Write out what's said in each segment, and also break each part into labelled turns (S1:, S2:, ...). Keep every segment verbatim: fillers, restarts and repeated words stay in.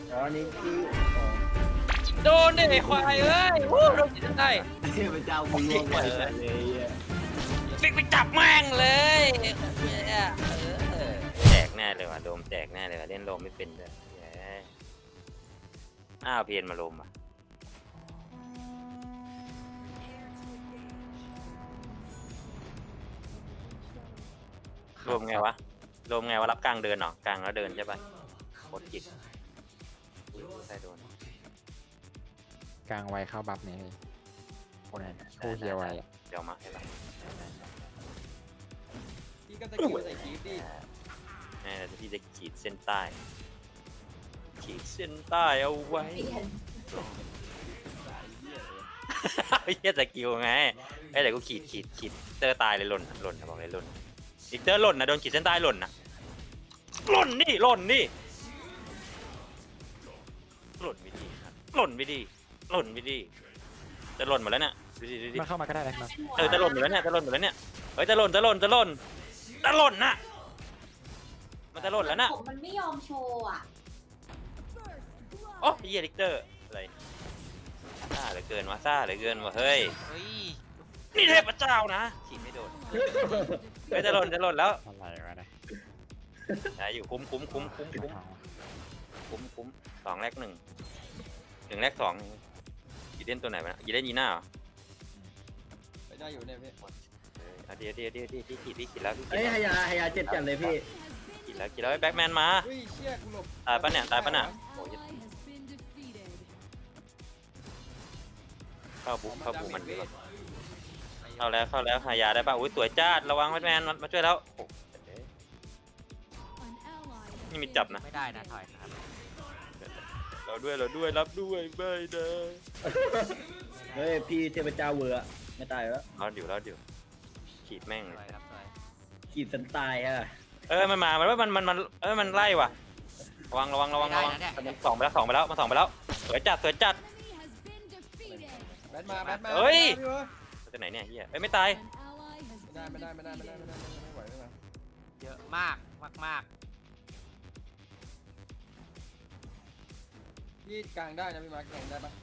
S1: อ๋อนี่ที่
S2: โดนดิไอ้ควายเอ้ยวู้โดนจิตได้
S1: เทพเจ้ามึงล่วงไปเลยอ่ะ
S2: ฟิกไปจับแม่งเลยเนี่ยเออแจกแน่เลยว่ะโดมแจกแน่เลยว่ะเล่นโลมไม่เป็นเลยอ้าวเพียนมาโลมอ่ะโลมไงวะโลมไงวะรับกลางเดินหรอกลางแล้วเดินใช่ปะโคตรจิตใช่โดน
S3: กลางไวเข้าบัฟนี่คนคู่เฮียไวอะ
S2: เดี๋ยวมาให้ปะ
S4: พี่ก็ตะคิวใส่คีบดิ
S2: นี่เราจะพี่จะขีดเส้นใต้ขีดเส้นใต้เอาไว้ไม่ใช่สกิลไงไอ้แต่กูขีดขีดขีดเตอร์ตายเลยหล่นหล่นนะบอกเลยหล่นอีกเตอร์หล่นนะโดนขีดเส้นใต้หล่นนะหล่นนี่หล่นนี่หล่นไม่ดีครับหล่นไม่ดีหล่นไม่ดีจะหล่นหมดแล้วเนี่ยดูดิดูดิ
S3: มาเข้ามาก็ได้นะครับ
S2: เออจะหล่นหมดแล้วเนี่ยจะหล่นหมดแล้วเนี่ยเฮ้ยจะหล่นจะหล่นจะหล่นจะหล่นนะมันจะหล่นแล้วนะ
S5: ผมมันไม่ยอมโชว์อ่ะ
S2: โอ้ยเฮียลิกเตอร์อะไรซ่าเหลือเกินวะซ่าเหลือเกินวะเฮ้ย
S6: เฮ้ย
S2: นี่เทพเจ้านะขีดไม่โดนเฮ้ยจะหล่นจะหล่นแล้ว
S3: อะไรวะเนี่ย
S2: อย่าอยู่คุ้มคุ้มคุ้มคุ้มคุ้ม
S3: เอา
S2: คุ้มคุ้มสองแรกหนึ่งหนึ่งแรกสองยีเล่นตัวไหนวะยีเล่นยีน่าเหรอ
S4: ไปได้อยู่เนี่ยพี่
S2: เออเอาเดี๋ยวเดี๋ยวเดี๋ยวเดี๋ยวที่ขีดที่ขีดแล้วที่ขี
S1: เอ้
S2: ด
S1: ย
S2: แล้ว
S1: ฮายาฮายาเจ็บจัดเลยพี่
S2: ขีดแล้วขีดแล้วแบ็คแมนมา
S4: อุ้ยเชี่ยกูหลบ
S2: ตายปะเนี่ยตายปะเนี่ยโอ้ยเข้าบุกเข้าบุกมันดีกว่าเข้าแล้วเข้าแล้วหายาได้ป่ะอุ้ยสวยจ้าระวังแบทแมนมาช่วยแล้วโอ้นี่มีจับนะ
S6: ไม่ได้นะถอยครับ
S2: เราด้วยเราด้วยรับด้วยไม่เด้อ
S1: เฮ้ยพี่เทพเจ้าเวอร์อะไม่ตายแล้ว
S2: เราเดี๋ยวเราเดี๋ยวขีดแม่ง
S6: ถ
S2: เล
S6: อย
S2: ย
S6: ครับถอย
S1: ขีดสันตายฮะ
S2: เออมันมามันว่ามันมันมันเออมันไล่ว่ะระวังระวังระวังระวังมันสองไปแล้วสองไปแล้วมาสองไปแล้วสวยจัดสวยจัด
S4: แบทมาแบทมา
S2: เฮ้ย
S4: พี่เว้ย
S2: มาจากไหนเนี่ยเฮียเอ้ยไม่ตาย
S4: ไม่ได้ไม่ได้ไม่ได้ไม่ได้ไม่ได้ไม่ไหวไม่ไหว
S6: เยอะมากมากมาก
S4: พี่กลางได้นะพี่มาร์คกลางได้ปะ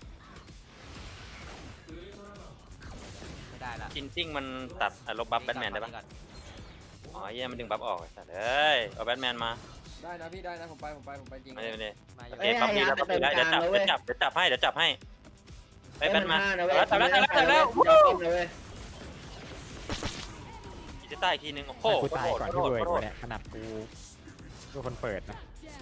S6: ไม่ได้ละ
S2: จินซิ่งมันตัดอ่ะลบบัฟแบทแมนได้ปะอ๋อเฮียมันดึงบัฟออกไอ้สัตว์เอ้ยเอาแบทแมนมา
S4: ได้นะพี่ได้นะผมไปผมไปผมไปจริง
S2: ไม่ได้ไม่ได้
S6: มาอ
S2: โอยู่ เค
S1: เอ้ย
S2: ปั๊บ
S1: ฮา
S2: ดี
S1: ยา
S2: แล้ว
S1: ไป
S2: ปั๊บ
S1: เติ
S2: ดี
S1: ม
S2: แล้ว
S1: ก
S2: เดี๋ยว
S1: ลาง
S2: จับ
S1: แล้ว
S2: เดี๋
S1: เว้
S2: ยวย จับเดี๋ยวจับเดี๋ยวจับให้เดี๋ยวจับให้ไอ้ยแบทมา
S1: เอ้ย
S2: แล้วจับแล้วจับแล้วจับแล้ว
S1: เดี๋ยวป้อมเลยเว้ย
S2: ขีดเส้นใต้อีกทีนึงโอ้โห
S3: กูตายก่อนที่
S2: โทษ
S3: เวิร์ด
S2: โทษ
S3: เนี่ยขนาดกูกูคนเปิดนะ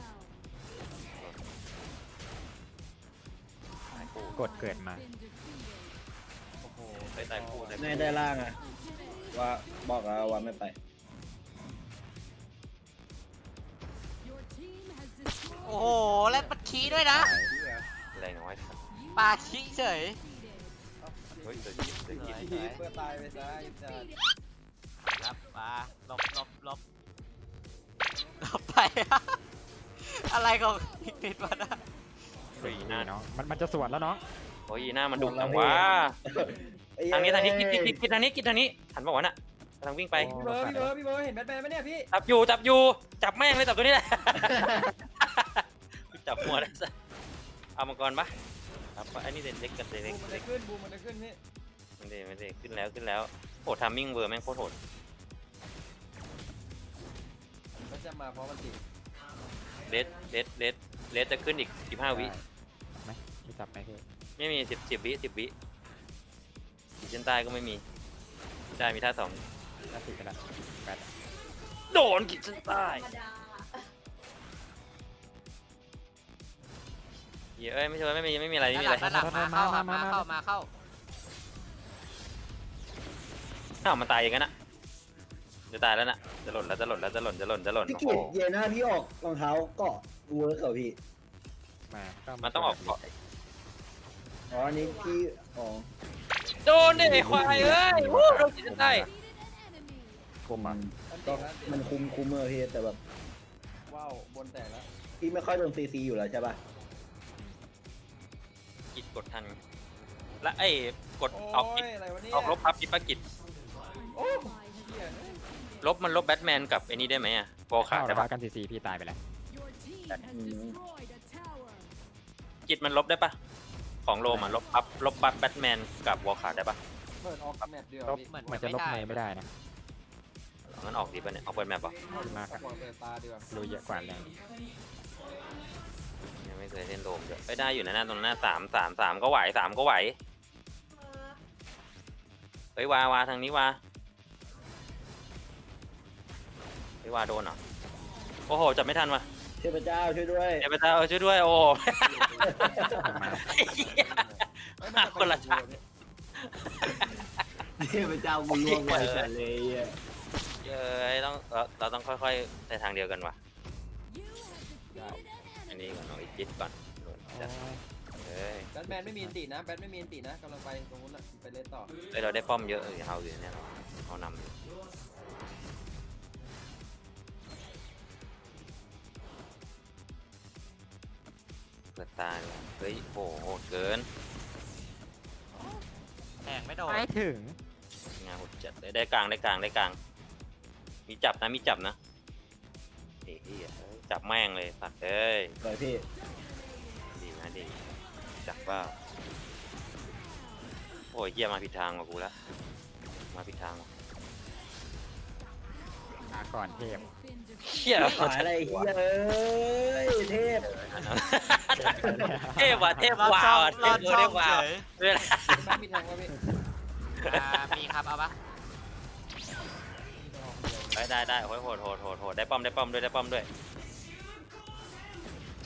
S3: กดเกิดมา
S2: โอ้โหใส่ใต้คู่ใส่
S1: ใน
S2: คู่
S1: ได้ล่างอะว่าบอกแล้วว่าไม่ไป
S6: โอ้โหแล้วปัดขี้ด้วยนะ
S2: อะไรน้อยครับ
S6: ปาขี้เฉย
S2: เฮ้ยเดี๋ยวคิดเดี๋ยวคิด
S4: พี่เพื่อตายไปซะไอ้สัส
S6: ครับมาหลบหลบหลบหลบไป อะไรของติดมาได้
S2: เฮ้ย
S3: นี่
S2: หน้า
S3: เนาะมันมันจะสวนแล้วเนาะ
S2: โอ้ยหน้ามันดุจังวะทางนี้ทางนี้คิดคิดคิดคิดทางนี้คิดทางนี้หันบอกว่าน่ะกำลังวิ่งไป
S4: พี่เบิร์ดพี่เบิร์ดพี่เบิร์ดเห็นแบทแมนไหมเนี่ยพี่
S2: จับอยู่จับอยู่จับแม่งเลยจับตัวนี้แหละ จับหัวได้ซะเอามังกรปะครับอันนี้เด็กเล็กกับเด็ก
S4: บู
S2: เล็ก
S4: มมันได้ขึ้นบูมมันได้ขึ้นพี่
S2: ไม่ได้ไม่ได้ขึ้นแล้วขึ้นแล้วโหทามมิ่งเวอร์แม่งโคตรโหด
S4: มันจะมาเพราะมันติด
S2: เลสเลสเลสเลสจะขึ้นอีกสิบห้าวิ
S3: ไหมที่จับไหมพี่
S2: ไม่มีสิบสิบวิสิบวิขีดเส้นใต้ก็ไม่มีได้มีท่าสอง
S3: น่าติดกันละแปด
S2: โดนขีดเส้นใต้
S5: ธรรมดา
S2: เหี้ยเอ้ยไม่ใช่ว่าไม่มีไม่มีอะไรไม่
S6: ด้าน
S2: มี
S6: ห
S2: อะไร
S6: ลังด้านหลังมาเข้าครับมาเข้ามาเข้า
S2: อ้าวมันตายอย่างนั้นอะจะตายแล้วนะจะหล่นแล้วจะหล่นแล้วจะหล่นจะหล่นจะหล่น
S1: พี่
S2: โอ้
S1: กิ
S2: โห
S1: จเย็นหน้าพี่ออกรองเท้าเกาะเวิร์กเหรอพี่
S3: มา
S2: มันต้องออกเกาะ
S1: อ๋ออันนี้พี่อ๋อ
S2: โดนดิไอ้ควายเอ้ยวู้โดนขีดเส้นใต้
S3: คุมมัน
S4: มันติ
S1: ก็
S4: ดแล้วติด
S1: มันคุมคุมเออพี่แต่แบบ
S4: ว้าวบนแตกแล้ว
S1: พี่ไม่ค่อยโดนซีซีอยู่แล้วใช่ป่ะ
S2: กิดกดทันและไอ้กด
S4: โอ้
S2: ออกกิด
S4: ยอะไรวะเนี่ย
S2: ออกลบพับกิดปะกิด
S4: โอ้เหี้ย
S2: ลบมันลบแบทแมนกับไอ้นี่ได้ไหมอะโปรขา
S3: เข้า
S2: ด
S3: แล้
S2: ใช่
S3: ว
S2: ปะ
S3: กันซีซีพี่ตายไปแล้ว
S1: อืม
S2: จิตมันลบได้ปะของโลมันลบบัฟลบบัฟแบทแมนกับวอลคาร์ได้ปะ
S4: เปิดออกแมปเดียว
S3: ลบ
S4: พี่
S6: เหมือน
S3: มันจะลบในไม่ได้นะ
S2: งั้นออกดีปะเนี่ยออกเปิดแมปปะ
S3: มาก
S4: เปิดตาดีกว่า
S3: ดูเยอะกว่าแรง
S2: ยังไม่เคยเล่นโลมเยอะไม่ได้อยู่นะหน้าตรงหน้าสามสามสามก็ไหวสามก็ไหวเฮ้ยวาวาทางนี้วาเฮ้ยวาโดนเหรอโอ้โหจับไม่ทันว่ะ
S1: เทพเจ้าช่วยด้วย
S2: เทพเจ้าช่วยด้วยโอ้
S3: มา
S4: เอ้ยมันจะไป
S2: คนละชาติ
S1: เทพเจ้าบุญล่วงไปแต่เลยอ่ะ
S2: เย้ยต้องเราเราต้องค่อยๆในทางเดียวกันว่ะอันนี้ก่อนเอาอีกจิตก่อนจัดเฮ้ย
S4: แบทแมนไม่มีอันตินะแบทไม่มีอันตินะกำลังไปตรงนู้นน่ะไปเล่นต่อ
S2: เฮ้ยเราได้ป้อมเยอะเออเอาอยู่เนี่ยเขานำอยู่เปิดตาเลยเฮ้ยโหโหดเกิน
S6: แทงไม่โดน
S3: ไม่ถึง
S2: งานโหดจัดเลยได้กลางได้กลางได้กลาง มีจับนะมีจับนะเฮ้ยเฮ้ยจับแม่งเลยสัตว์เอ้ย
S1: ปล่อยพี่
S2: ดีนะดีจับว่าโอ้ยเยี่ยมาผิดทางว่ะกูละมาผิดทางว่ะ
S3: มาก่อนเทพ
S2: เฮีย
S1: ขายอะไรเฮียเอ้ยเทพ
S2: เทพว่ะเทพ
S6: รอด
S2: ว้า
S6: ช่
S2: ว
S6: อง
S2: อ่ะเท
S6: รอ
S2: พ
S6: ด
S2: เท
S6: ช่อง
S2: พว้า
S6: เฉ
S2: วย เวลา
S4: แบทมีแทงวะพี่
S6: อ่ามีครับเอาปะ
S2: ได้ได้ได้โหดโหดโหดโหดโหดได้ป้อมได้ป้อมด้วยได้ป้อมด้วยจะ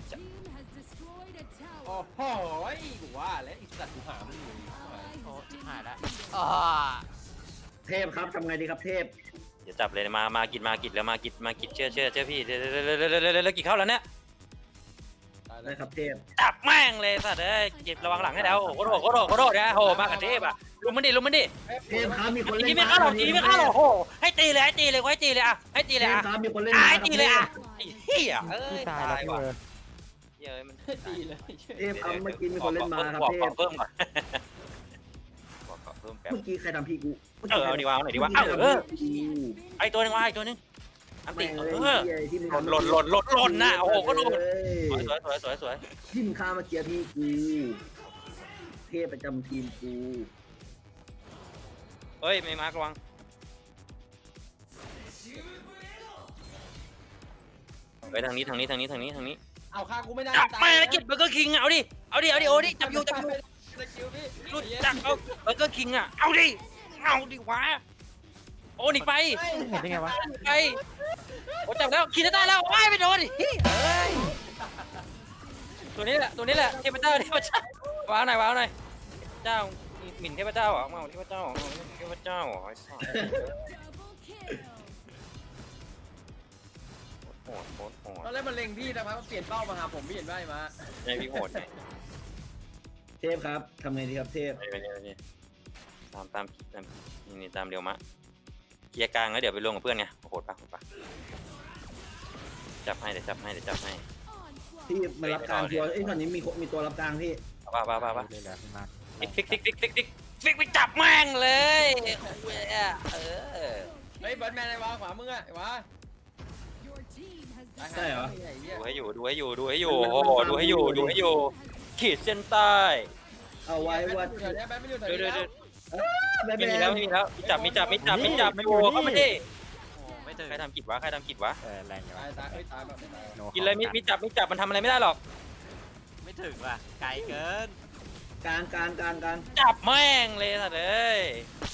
S4: โอ้โหกูว่าแล้วอีสัตว์กูหามันอยู่
S6: โอ้ชิบหายแล้วอ๋อ
S1: เทพครับทำไงดีครับเทพ
S2: เดี๋ยวจับเลยมามากิดมากิดแล้วมากิดมากิดเชื่อเชื่อเชื่อพี่เดี๋ยวเดี๋ยวเดี๋ยวเดี๋ยวเดี๋ยวเดี๋ยวกิดเข้าแล้วเนี่ย
S4: ตายแล้
S1: ได้
S4: ว
S1: ครับเทพ
S2: จับแม่งเลยสัตว์เอ้ยกิดระวังหลังให้แล้วโอ้โหโคตรโหดโคตรโหดโคตรโหดเนี่ยโหมากับเทพอ่ะลุมมันดิลุมมันดิ
S1: เทพครับมีคนเล่น
S2: ทีไม่เข้าหรอกทีไม่เข้าหรอกโอ้โหให้ตีเลยให้ตีเลยให้ตีเลยอ่ะให้ตี
S1: เท
S2: เลย
S1: พ
S2: อ่ะ
S1: ครับมีคนเล่น
S2: อ่ะ
S1: มา
S2: ให้
S1: ครับ
S2: ตีเลยอ่ะ
S1: เทพ
S2: ไอ้เหี้ยเอ้
S3: พี่
S2: ย
S3: ตาย
S2: ตาย
S3: แล้ว
S2: ว่ะ
S3: เออ
S2: เหี้ยเอ้ยมัน
S4: ตีเลย
S1: เทพครับเมื่อกี้มีคนเล่นมาครับ
S2: บอก
S1: เท
S2: บอ
S1: พ
S2: กเพิ่มก่อนบอกก่อนเพิ่มแป๊บ
S1: เมื่อกี้ใครทำพี่กู
S2: เออเอาดีวะเอาหน่อยดีวะเอาเออไอตัวนึงวะไอตัวนึงอันติ
S1: แม่ง
S2: เอ
S1: เลย
S2: อ
S1: ที่มึง
S2: หล่นหล่นหล่นหล่นหล่นนะโอ้โหก็โดน
S1: เอ้ย
S2: สวยสวยสวยสวยสวย
S1: ที่มึงฆ่าเมื่อกี้พี่กูเทพประจำทีมกู
S2: เฮ้ยไม่มาร์กระวังไปทางนี้ทางนี้ทางนี้ทางนี้ทางนี้
S4: เอาฆ่ากูไม่ได้
S2: จับแม่กิจเบอร์เกอร์คิงเอาดิเอาดิเอาดิโอ้ดิจับอยู่จับอยู่
S4: สกิลพี่
S2: รู้จักเอาเบอร์เกอร์คิงอ่ะเอาดิเอาดิวะโอ้หนีไป
S3: เห็นได้ไงวะ
S2: หนีไปโอ้จับแล้วขี่ได้แล้วว้ายไม่โดนดิเฮ้ยตัวนี้แหละตัวนี้แหละเทพเจ้าเทพเจ้าวางหน่อยวางหน่อยเจ้าหมิ่นเทพเจ้าเหรอมาเทพเจ้าเหรอเทพเจ้าเหรอไอ้สัสโหดโหดโหด
S4: ตอนแรกมันเล็งพี่นะครับมันเปลี่ยนเป้ามาหาผมพี่เห็นไหมมา
S2: ในพี่โหดไง
S1: เทพครับทำไงดีครับเทพ
S2: ไปไปไปตามตามตามนี่นี่ตามเดียวมะเกียร์กลางแล้วเดี๋ยวไปลงกับเพื่อนไงโหดปะโหดปะจับให้เดี๋ยวจับให้เดี๋ยวจับให้
S1: ที่มารับกลางทัวร์เอ้ยตอนนี้มีมีตัวรับกลางพี่
S2: ป่ะป่ะป่ะป่ะ
S3: เลยเหลือพี่มาร์ค
S2: ฟิกฟิกฟิกฟิกฟิกฟิกฟิกไปจับแม่งเลยเว้ยเออ
S4: เฮ้ยแบทแมนไอ้วะขวามึงอะไอ้วะ
S1: ใช่เหรอ
S4: ไอ้เหี้ย
S2: ดูให้อยู่ดูให้อยู่ดูให้อยู่โอ้โหดูให้อยู่ดูให้อยู่ขีดเส้นใต้
S1: เอาไว้ว่า
S4: แบทแมนไม่อยู่แถว
S2: ดู
S4: นี้
S2: ดู
S4: แล้
S2: ดู
S4: ว
S1: แบท
S2: ไม่
S1: แม
S2: มีแล้ว
S1: น
S2: ไม่มีแล้วมีจับมีจับมีจับมีจับโอ้เข้ามาดิ
S6: โอ้ไม่ถึง
S2: ใครทำกิจวะใครทำกิจวะ
S3: เออแรงอยู่
S4: ตา
S3: ะ
S4: ยวตายเอ้ยตายแบบไม่ตาย
S3: โ
S2: กินเลยมีมีจับมีจับมันทำอะไรไม่ได้หรอก
S6: ไม่ถึงว่ะไกลเกิน
S1: กลางกลางกลางกลาง
S2: จับแม่งเลยสัตว์เอ้ย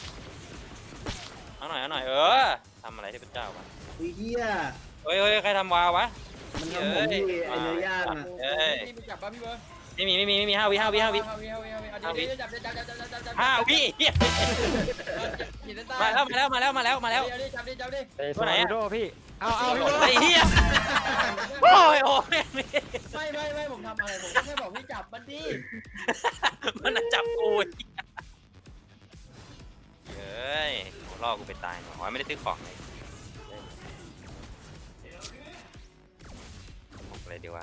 S2: เอาหน่อยเอาหน่อยเออทำอะไรที่เป็นเจ้าวะ
S1: อุ้ยเฮีย
S2: เฮ้ยเฮ้ยใครทำวาวะ
S1: มันทำผมที่ไอเนื้อย่างอ่ะ
S2: เอ้ย
S4: พี่มีจับป่ะพี่เบิร์ด
S2: ไม่มีไม่มีไม่มีห้าวิห้าวิห้าวิ
S4: ห้าวิห้าวิห้าวิเอาดิดิจับจับจับจับจับจับจับ
S2: ห้าวิเหี้ย
S4: ขีดเส้นใต้
S2: มาแล้วมาแล้วมาแล้วมาแล้วมาแล้ว
S4: เอาดิจับดิจับดิ
S3: เอ้ย
S2: ตัวไหนอะ
S3: โดพี่ เอาเอาพี่
S2: ไอ้เหี้ยโอ้ยโอ้ย
S4: ไม่ไม่ไม่ผมทำอะไรผมก็แค่บอกพี่จับมันดิ
S2: มันน่ะจับกูไอ้เหี้ยเฮ้ยล่อกูไปตายหน่อยไม่ได้ซื้อของเลยบอกเลยดีว่า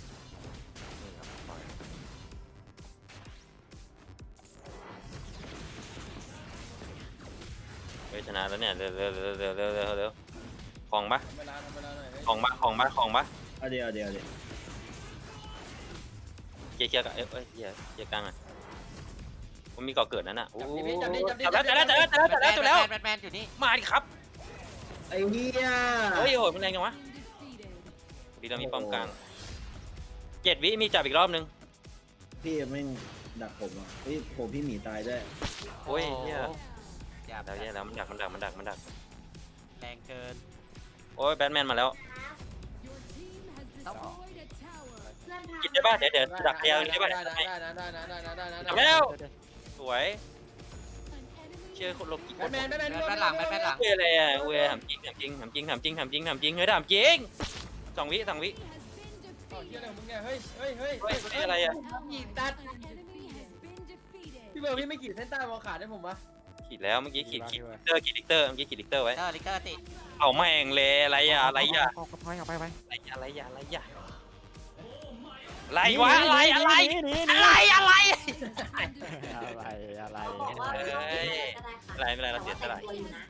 S2: เฮ้ยชนะแล้วเนี่ยเร็วเร็วเร็วเร็วเร็วเร็วเร็วของปะ
S4: ทำเวลาทำเวลาหน่อย
S2: ของปะของปะของปะ
S1: เอาเดี๋ยวเอาเดี๋ยวเอาเดี๋ยว
S2: เกียร์เกียร์กับเอ้ยเอ้ยเกียร์เกียร์กลางอ่ะมันมีก่อเกิดนั่นน่ะโอ้
S4: จับดิจับดิ
S2: จั
S4: จั
S2: บบ แล้ว
S4: ดิ
S2: จับแล้วจับแล้วจับแล้วจับแล้วจับแล้ว
S6: แบทแมนอยู่นี่
S2: มาดิครับ
S1: ไอ้เหี้ย
S2: เฮ้ยโหดมันแรงจังวะดีเรามีป้อมกลางเจ็ดวิมีจับอีกรอบนึง
S1: พี่แม่งดักผมอ่ะเฮ้ยผมพี่หมีตายด้วย
S2: โอ้ยเฮีย
S6: หยาบ
S2: แล้วเฮียแล้วมันดักมันดักมันดักมันดัก
S6: แรงเกิน
S2: โอ้ยแบทแมนมาแล้ว
S6: ต้องออก
S2: กินได้ป่ะเดี๋ยวเดี๋ยวดักแถวนี้ได้ป่ะ
S4: ได้ได้ได้ได้ได้ได้ได้ได้
S2: จับแล้วสวยเชื่อคนลบกิน
S4: แบทแมนแบทแมน
S6: แบทแมนหลังแบทแมนหลัง
S2: เว้ยอะไรอ่ะเว้ยถามจริงถามจริงถามจริงถามจริงถามจริงถามจริงเฮ้ยถามจริงสองวิสองวิ
S4: เฮียอะไรของมึงเนี่ยเฮ้ยเฮ้ยเฮ้ย
S2: เฮ้ยเฮ้ยอะไรอ่ะ
S4: ขีดตัดพี่เบิร์ดพี่ไม่ขีดเส้นใต้มองขาดให้ผมปะ
S2: ขีดแล้วเมื่อกี้ขีดขีดลิกเตอร์ขีดลิกเตอร์เมื่อกี้ขีดลิกเตอร์ไว้
S6: เตอร์ลิกเตอร์ติ
S2: เอาแม่งเลยอะไรอ่ะอะไรอ่ะ
S3: เอากระพายเอาไปไป
S2: อะไรอ่ะอะไรอ่ะอะไรอ่ะอะไรวะอะไรอะไรอะไรอะไร
S3: อะไรอะไร
S2: เฮ้ยอะไรไม่เป็นไรเราเสียสละ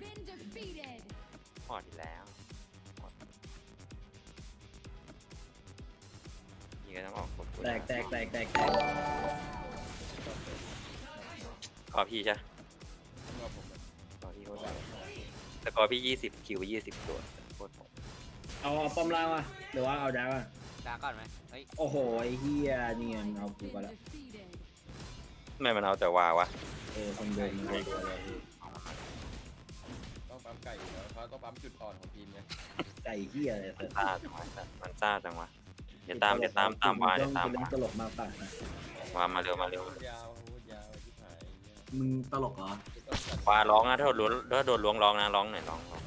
S2: พอดีแล้วนี่ก็ต้องออกกด
S1: แตกแตกแตกแตกแตก
S2: ขอพี่ใช่ขอพี่โคตรแต่กอพี่ยี่สิบคิวไปยี่สิบตัวโคตร
S1: เอาเอาป้อมล่างมาหรือว่าเอาดาวอ่ะ
S6: กลางก่อนไหมเฮ้ย
S1: โอ้โหไอ้เหี้ยนี่มันเอากูไปละ
S2: ไม่มันเอาแต่วาวะ
S1: เออคนเดินมันเอาตัวเลยพี่
S4: ต้องปั๊มไก่อยู่แล้วเขาต้องปั๊มจุดอ่อนของทีมไง
S1: ไก่เหี้ยอะไรเสร็จ
S2: ซ่าจังวะมันซ่าจังวะเดี๋ยวตามเดี๋ยวตามตามวาเดี๋ยวตาม
S1: เป็น
S2: วา
S1: ตลกมากป่ะนะ
S2: วามาเร็วมาเร็ว
S4: พูดยาวพูดยาวที่หาย
S1: มึงตลกเหรอ
S4: ต้องจัด
S2: วาร้องนะถ้าโดนล้วงถ้าโดนล้วงร้องนะร้องหน่อยร้องร้อง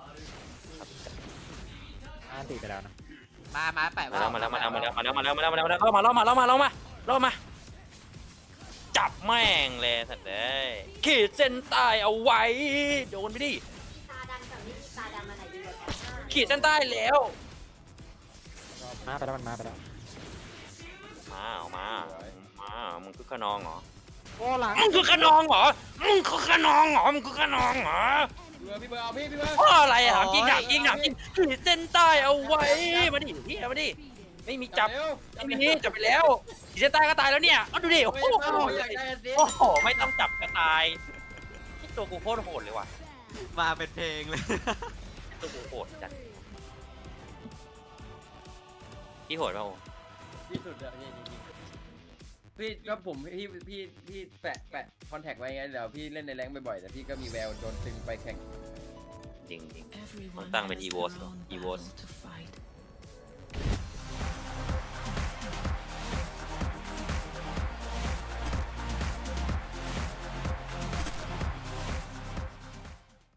S3: อ่านติไปแล้วนะ
S6: มามาแปะ
S2: มาแล้วมาแล้วมาแล้วมาแล้วมาแล้วมาแล้วมาแล้วมาแล้วมาแล้วมาแล้วมาแล้วมาแล้วมาแล้วมาจับแม่งเลยสัตว์เลยขีดเส้นใต้เอาไว้โดนไปดิ
S5: ตาดำกับไม่มีตาดำอะไรดีกว่ากัน
S2: ขีดเส้นใต้แล้ว
S3: มาไปแล้วมันมาไปแล้ว
S2: มาเอามามามึงคือขนองเหรอ
S3: โอ้หลัง
S2: มึงคือขนองเหรอมึงคือขนองเหรอมึงคือขนองเหรอ
S4: พี่เบิร์ดพี่เบิร์ดเอาพี่พี่เบิร์ด
S2: เพราะอะไรอ่ะถามจริงถามจริงถามจริงขีดเส้นใต้เอาไว้มาดิเฮียมาดิไม่มีจับ
S4: เร็ว
S2: ไม่มีจับไปแล้วขีดเส้นใต้ก็ตายแล้วเนี่ยเอาดูดิโอ้
S4: ไม่
S2: โห
S4: เอาอยากได้สิ
S2: โอ้โหไม่ต้องจับก็ตายตัวกูโคตรโหดเลยว่ะ
S6: มาเป็นเพลงเลย
S2: ตัวกูโหดจัดพี่โหดเปล่า
S4: ที่สุดอะพี่จริงๆพี่ก็ผมพี่พี่พี่แปะแปะคอนแทคไว้ไงเดี๋ยวพี่เล่นในแรงค์บ่อยๆแต่พี่ก็มีแววโดนตึงไปแข่ง
S2: จริงจริงต้องตั้งเป็นอีโวสอีโวส